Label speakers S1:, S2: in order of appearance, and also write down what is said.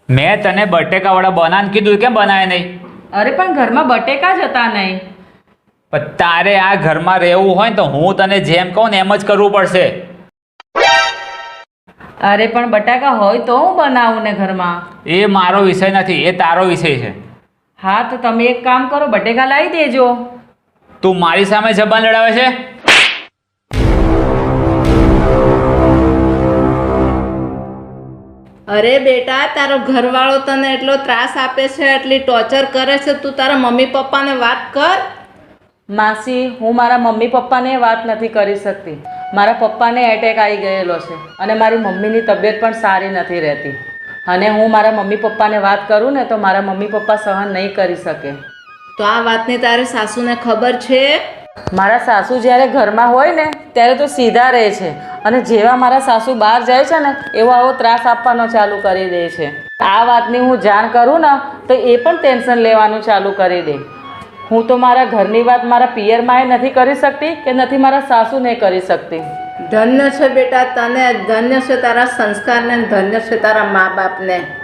S1: મેં તને બટેકાવાળા બનાવીને કીધું, કેમ બનાવે નહીં?
S2: અરે પણ ઘરમાં બટેકા જ હતા નહીં.
S1: પણ તારે આ ઘરમાં રહેવું હોય ને તો હું તને જેમ કહું ને એમ જ કરવું પડશે.
S2: અરે પણ બટાકા હોય તો હું બનાવું ને ઘરમાં.
S1: એ મારો વિષય નથી, એ તારો વિષય છે.
S2: હા તો તમે એક કામ કરો, બટેકા લાવી દેજો.
S1: તું મારી સામે જબાન લડાવે છે?
S3: અરે બેટા, તારો ઘરવાળો તને એટલો ત્રાસ આપે છે, એટલી ટોર્ચર કરે છે, તું તારા મમ્મી પપ્પાને વાત કર.
S2: માસી, હું મારા મમ્મી પપ્પાને વાત નથી કરી શકતી. મારા પપ્પાને એટેક આવી ગયેલો છે અને મારી મમ્મીની તબિયત પણ સારી નથી રહેતી. અને હું મારા મમ્મી પપ્પાને વાત કરું ને તો મારા મમ્મી પપ્પા સહન નહીં કરી શકે.
S3: તો આ વાતની તારે સાસુને ખબર છે?
S2: મારા સાસુ જ્યારે ઘરમાં હોય ને ત્યારે તો સીધા રહે છે અને જેવા મારા સાસુ બહાર જાય છે ને એવો આવો ત્રાસ આપવાનો ચાલુ કરી દે છે. આ વાતની હું જાણ કરું ને તો એ પણ ટેન્શન લેવાનું ચાલુ કરી દે. હું તો મારા ઘરની વાત મારા પિયરમાં નથી કરી શકતી કે નથી મારા સાસુને કરી શકતી.
S3: ધન્ય છે બેટા તને, ધન્ય છે તારા સંસ્કારને, ધન્ય છે તારા મા બાપને.